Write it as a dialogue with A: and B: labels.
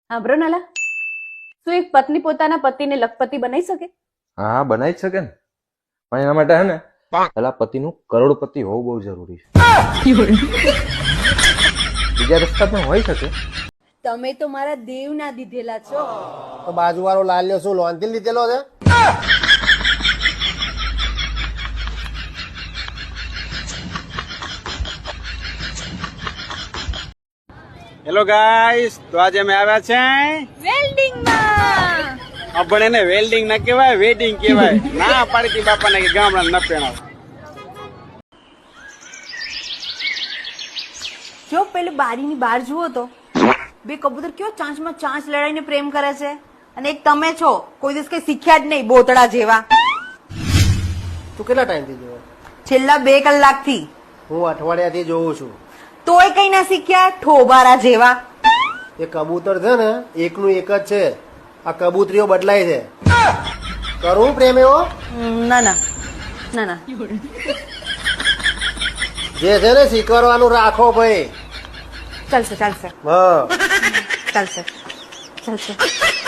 A: સાંભળો નાલા, શું એક પત્ની પોતાના પતિને લખપતિ બનાવી શકે?
B: હા, બનાવી જ શકે ને, પણ એના માટે હે ને પેલા પતિનું કરોડપતિ હોવું બહુ જરૂરી છે. બીજા રસ્તા પણ હોઈ શકે.
A: તમે તો મારા દેવ ના દીધેલા છો.
C: તો બાજુવાળો લાલ્યો શું લોનથી લીધેલો છે?
D: હેલો ગાઈસ, તો આજે અમે આવ્યા છે
A: વેલ્ડિંગ માં.
D: પણ એને વેલ્ડિંગ ના કહેવાય, વેડિંગ કહેવાય. ના પાડતી બાપાને કે ગામડા ન પહેણાવ.
A: જો પેલું બારીની બહાર જુઓ તો બે કબૂતર કેવો ચાંચમાં ચાંચ લડાઈને પ્રેમ કરે છે, અને એક તમે છો કોઈ દિવસ કઈ શીખ્યા જ નહીં, બોતડા જેવા.
C: તું કેટલા ટાઈમથી જોવો?
A: છેલ્લા 2 કલાકથી.
C: હું અઠવાડિયાથી જોઉં છું.
A: તોય કઈ ના શીખ્યા, ઠોબારા જેવા.
C: એ કબૂતર છે ને એકનું એક જ છે, આ કબૂતરીઓ બદલાય છે. કરું પ્રેમ એવો?
A: ના ના ના ના.
C: જે છે ને શીખવાડવાનું રાખો ભાઈ.
A: ચાલશે ચાલશે
C: હા
A: ચાલશે ચાલશે.